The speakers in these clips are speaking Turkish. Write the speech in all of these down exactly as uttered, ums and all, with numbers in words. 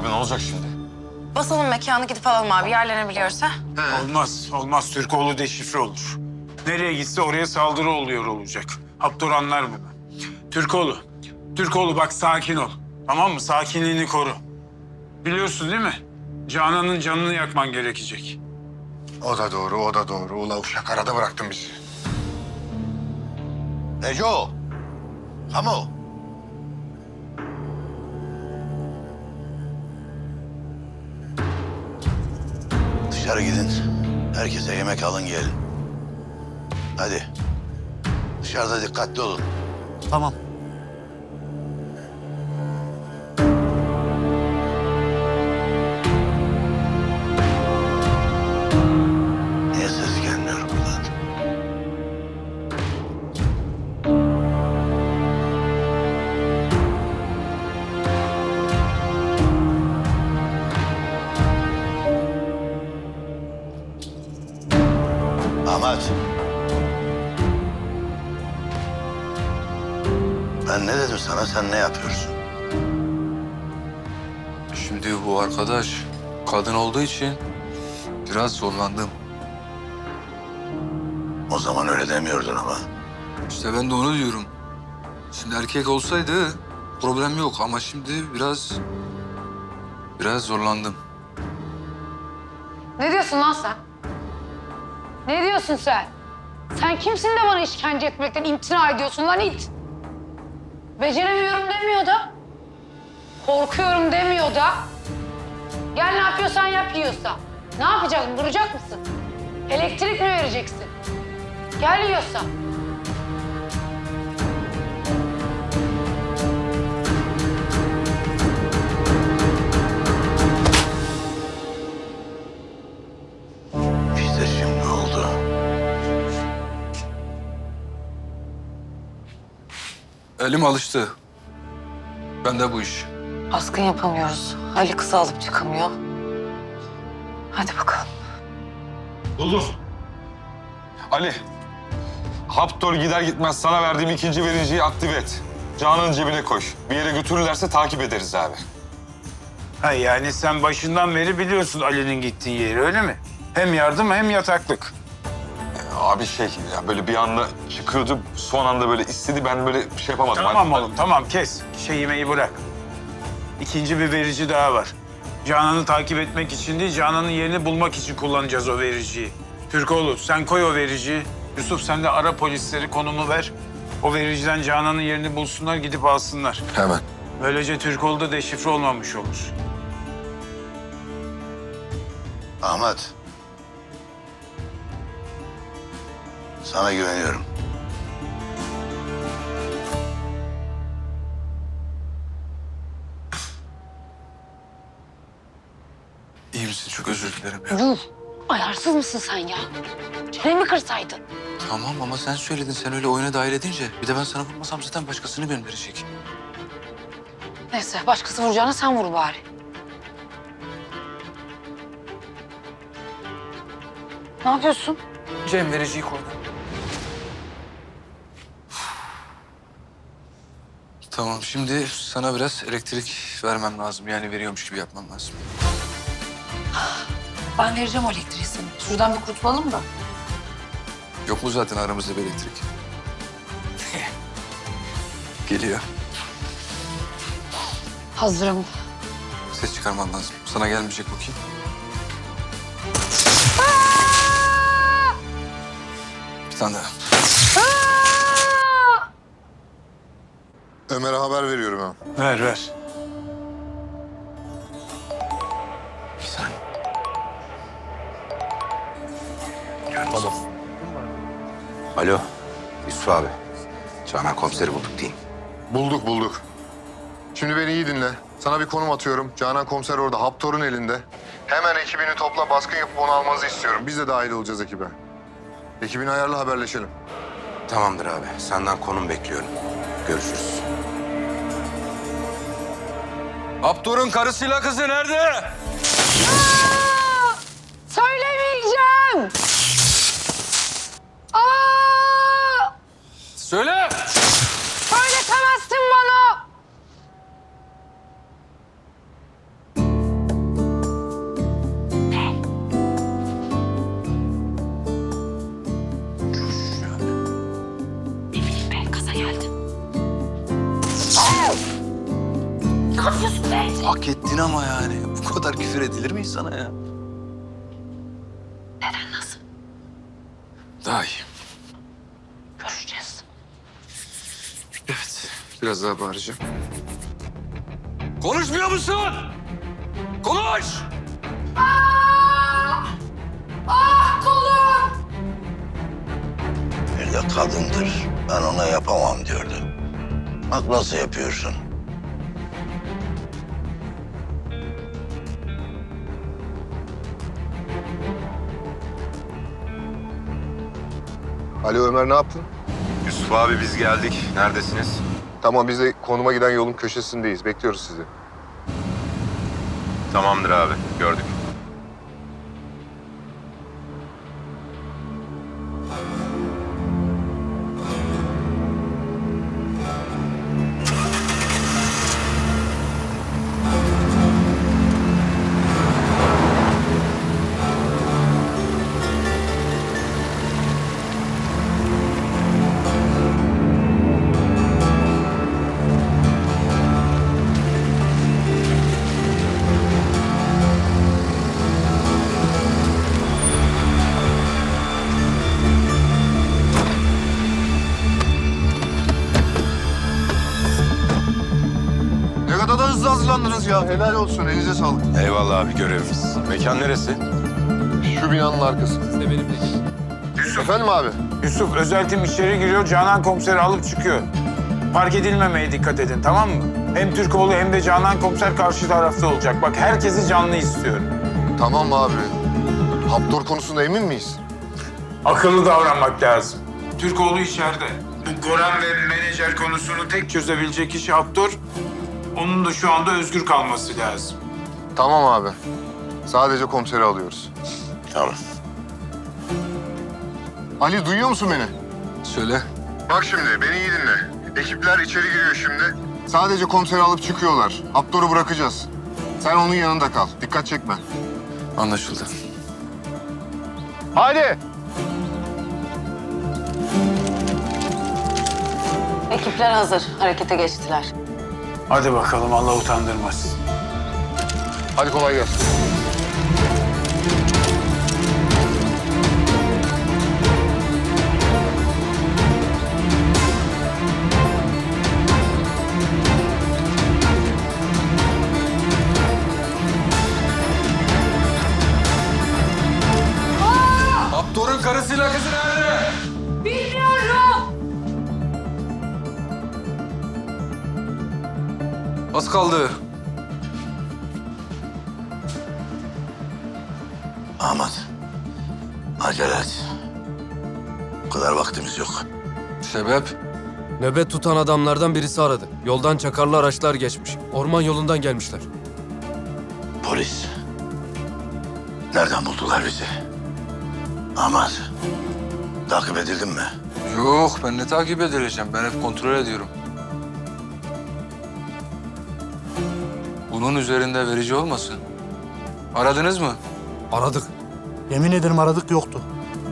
Abi ne olacak şimdi? Basalım mekanı gidip alalım abi yerlenebiliyorsa. Olmaz, olmaz. Türkoğlu deşifre olur. Nereye gitse oraya saldırı oluyor olacak. Haptor anlar bunu. Türkoğlu, Türkoğlu bak sakin ol. Tamam mı? Sakinliğini koru. Biliyorsun değil mi? Canan'ın canını yakman gerekecek. O da doğru, o da doğru. Ula uşak arada bıraktın bizi. Neco! Hamo! Dışarı gidin. Herkese yemek alın gelin. Hadi. Dışarıda dikkatli olun. Tamam. Niye ses gelmiyor buradan? Ahmet. Ben ne dedim sana, sen ne yapıyorsun? Şimdi bu arkadaş kadın olduğu için biraz zorlandım. O zaman öyle demiyordun ama. İşte ben de onu diyorum. Şimdi erkek olsaydı problem yok ama şimdi biraz biraz zorlandım. Ne diyorsun lan sen? Ne diyorsun sen? Sen kimsin de bana işkence etmekten imtina ediyorsun lan it? Beceremiyorum demiyor da. Korkuyorum demiyor da. Gel ne yapıyorsan yap yiyorsa. Ne yapacaksın? Vuracak mısın? Elektrik mi vereceksin? Gel yiyorsa. İşte şimdi oldu. Elim alıştı. Ben de bu iş. Baskın yapamıyoruz. Ali kızı alıp çıkamıyor. Hadi bakalım. Buldum. Ali, Haptor gider gitmez sana verdiğim ikinci vericiyi aktive et. Canan'ın cebine koy. Bir yere götürürlerse takip ederiz abi. Ha yani sen başından beri biliyorsun Ali'nin gittiği yeri öyle mi? Hem yardım hem yataklık. Abi şey ya böyle bir anda çıkıyordu, son anda böyle istedi, ben böyle bir şey yapamadım. Tamam Hani- oğlum tamam kes. Şey yemeği bırak. İkinci bir verici daha var. Canan'ı takip etmek için değil, Canan'ın yerini bulmak için kullanacağız o vericiyi. Türkoğlu sen koy o vericiyi. Yusuf sen de ara polisleri konumu ver. O vericiden Canan'ın yerini bulsunlar, gidip alsınlar. Hemen. Böylece Türkoğlu da deşifre olmamış olur. Ahmet. Sana güveniyorum. İyi misin? Çok özür dilerim ya. Yuh! Ayarsız mısın sen ya? Çenemi kırsaydın. Tamam ama sen söyledin. Sen öyle oyuna dahil edince. Bir de ben sana vurmasam zaten başkasını gönderecek. Neyse başkası vuracağına sen vur bari. Ne yapıyorsun? Cem vericiyi koydu. Tamam, şimdi sana biraz elektrik vermem lazım. Yani veriyormuş gibi yapmam lazım. Ben vereceğim o elektriği sana. Şuradan bir kurtulalım da. Yok mu zaten aramızda bir elektrik? Geliyor. Hazırım. Ses çıkarman lazım. Sana gelmeyecek bakayım. Bir tane daha. Ömer'e haber veriyorum ha. Ver ver. Bir saniye. Tamam. Alo. Yusuf abi. Canan komiseri bulduk diyeyim. Bulduk bulduk. Şimdi beni iyi dinle. Sana bir konum atıyorum. Canan komiser orada. Haptor'un elinde. Hemen ekibini topla, baskın yapıp onu almanızı istiyorum. Biz de dahil olacağız ekibe. Ekibini ayarla, haberleşelim. Tamamdır abi. Senden konum bekliyorum. Görüşürüz. Haptor'un karısıyla kızı nerede? Söylemeyeceğim. Aa! Söyle! Söyletemezsin bana. gaza geldim. Ne yapıyorsun be? Hak ettin ama yani. Bu kadar küfür edilir mi insana ya? Neden, nasıl? Daha iyi. Görüşeceğiz. Evet. Biraz daha bağıracağım. Konuşmuyor musun? Konuş! Ah kolum! Bir de kadındır. Ben ona yapamam diyordu. Bak nasıl yapıyorsun. Alo Ömer, ne yaptın? Yusuf abi biz geldik. Neredesiniz? Tamam, biz de konuma giden yolun köşesindeyiz. Bekliyoruz sizi. Tamamdır abi. Gördük. Ne kadar da hızlı hazırlandınız ya. Helal olsun, elinize sağlık. Eyvallah abi görevimiz. Mekan neresi? Şu binanın arkası. Yusuf, Efendim abi? Yusuf özel tim içeri giriyor. Canan komiseri alıp çıkıyor. Fark edilmemeye dikkat edin, tamam mı? Hem Türkoğlu hem de Canan komiser karşı tarafta olacak. Bak herkesi canlı istiyorum. Tamam abi. Haptor konusunda emin miyiz? Akıllı davranmak lazım. Türkoğlu içeride. Bu Goran ve menajer konusunu tek çözebilecek kişi Haptor. Onun da şu anda özgür kalması lazım. Tamam abi. Sadece komiseri alıyoruz. Tamam. Ali, duyuyor musun beni? Söyle. Bak şimdi, beni iyi dinle. Ekipler içeri giriyor şimdi. Sadece komiseri alıp çıkıyorlar. Haptor'u bırakacağız. Sen onun yanında kal. Dikkat çekme. Anlaşıldı. Hadi! Ekipler hazır. Harekete geçtiler. Hadi bakalım, Allah utandırmasın. Hadi kolay gelsin. Haptor'un karısıyla kızı nerede? Bilmiyorum. Az kaldı. Ahmet, acele et. Bu kadar vaktimiz yok. Sebep? Nöbet tutan adamlardan birisi aradı. Yoldan çakarlı araçlar geçmiş. Orman yolundan gelmişler. Polis. Nereden buldular bizi? Ahmet, takip edildin mi? Yok, ben ne takip edileceğim? Ben hep kontrol ediyorum. Bunun üzerinde verici olmasın. Aradınız mı? Aradık. Yemin ederim aradık, yoktu.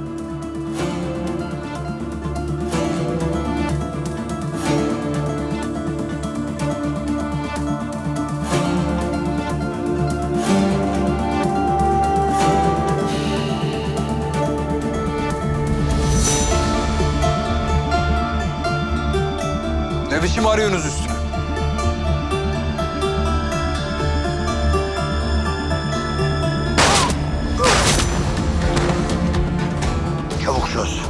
Ne biçim arıyorsunuz üstüne? Çabuk çöz.